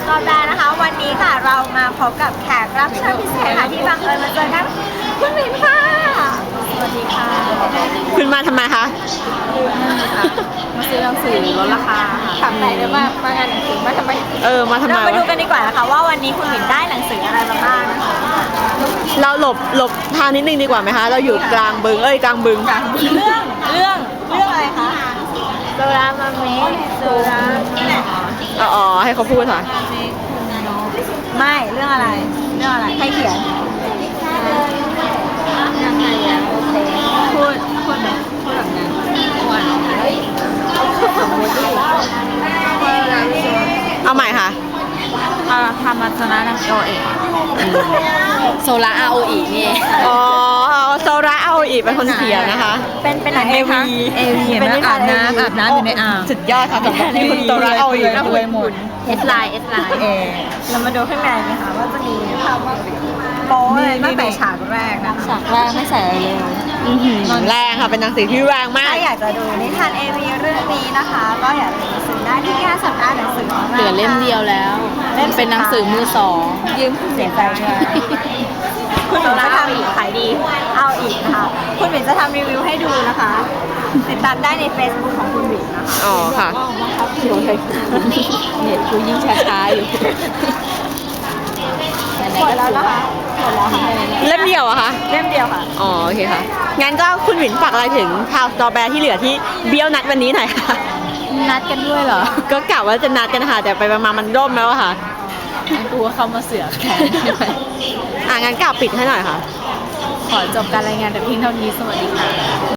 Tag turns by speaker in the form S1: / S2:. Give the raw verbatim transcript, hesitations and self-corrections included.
S1: กอแบร์นะคะวันนี้ค่ะเรามาพบกับแขกรับเชิญพิเศษค่ะที่บังเอิญมาเจอกันคุณหมินค่ะสวัสดีค่ะ
S2: คุณมาทำไมคะ
S1: มาซื้อหนังสือลดราคาค่ะถามไหนเลยว่ามางานหนังสือมาทำไม
S2: เออ มาทำไม
S1: เราไปดู
S2: วะ
S1: กันดีกว่านะคะว่าวันนี้คุณหมินได้หนังสืออะไรมาบ้างนะคะ
S2: เราหลบหลบทางนิดนึงดีกว่าไหมคะ เราอยู่กลางบึง เอ้ยกลางบึง
S1: เรื่องเรื่องเรื่องอะไรคะโซรามาเมะโซราที่ไหนคะ
S2: อ๋ออ๋อให้เขาพูดค่ะ
S1: ไม่เรื่องอะไรเรื่องอะไรใครเขียนยังไงอะโอเคพูดพูดแบบพูดแบบนั้นว่าเฮ้ยสมมติดิว่าอะไรไม่ใช่
S2: เอาใหม่ค่ะ
S1: อ่าทำมาชนะนะโอเอโซล่าอาโออีนี่
S2: อ๋อโซระเอาอีกเป็นคนเขียนนะคะ
S1: เป็นเป็นหนังเอวีเอวี
S2: เป็นนิทาน
S1: อาบน้ำ
S2: เอวี
S1: อาบน้ำอยู่ในอ่าง
S2: สุดยอดค่ะสำหรับที่คุณโซระเอาอีกนะ
S1: รวยหมดเอสไลน์เอสไลน์เอเรามาดูข้างในกันค่ะว่าจะมีภาพว่าโป๊เลยตั้งแต่ฉากแรกนะคะฉากแรกไม่ใส่อะไรเลย
S2: อื้อหือแรงค่ะ เป็นหนังสือที่แรงมาก
S1: ถ้าอยากจะดูนิทานเอวีเรื่องนี้นะคะ ก็อย่าลืมซื้อได้ที่ห้างสำนักหนังสือของเรา
S3: เหลือเล่มเดียวแล้ว
S1: เล่ม
S3: เป็นหนังสือมือสอง
S1: ยืมเสียใจเลยคุณหมินจะทำอีกขายดีเอาอีกนะคะคุณหมินจะทำรีวิวให้ดูนะคะ ติดตามได้ใน Facebook ของคุณหมินนะคะ
S2: อ๋อค่ะ
S3: เน็ตกูยิ่งช้าๆอยู่
S1: หมดแล้วนะคะหมดแล้วค่ะ
S2: เล่มเดียวอะคะ
S1: เล่มเดียวค่ะ
S2: อ๋อโอเคค่ะ งั้นก็คุณหวินฝากอะไรถึงชาวสตอแบร์ที่เหลือที่เบี้ยวนัดวันนี้หน่อยค่ะ
S3: นัดกันด้วยเหรอ
S2: ก็กะว่าจะนัดกันค่ะแต่ไปมามันร่มแล้วอะค่ะ
S3: กูว่าเขามาเสือกแทน
S2: อ่ะงั้นกล่าวปิดให้หน่อยค่ะ
S3: ขอจบการรายงานแต่เพียงเท่านี้ สวัสดีค่ะ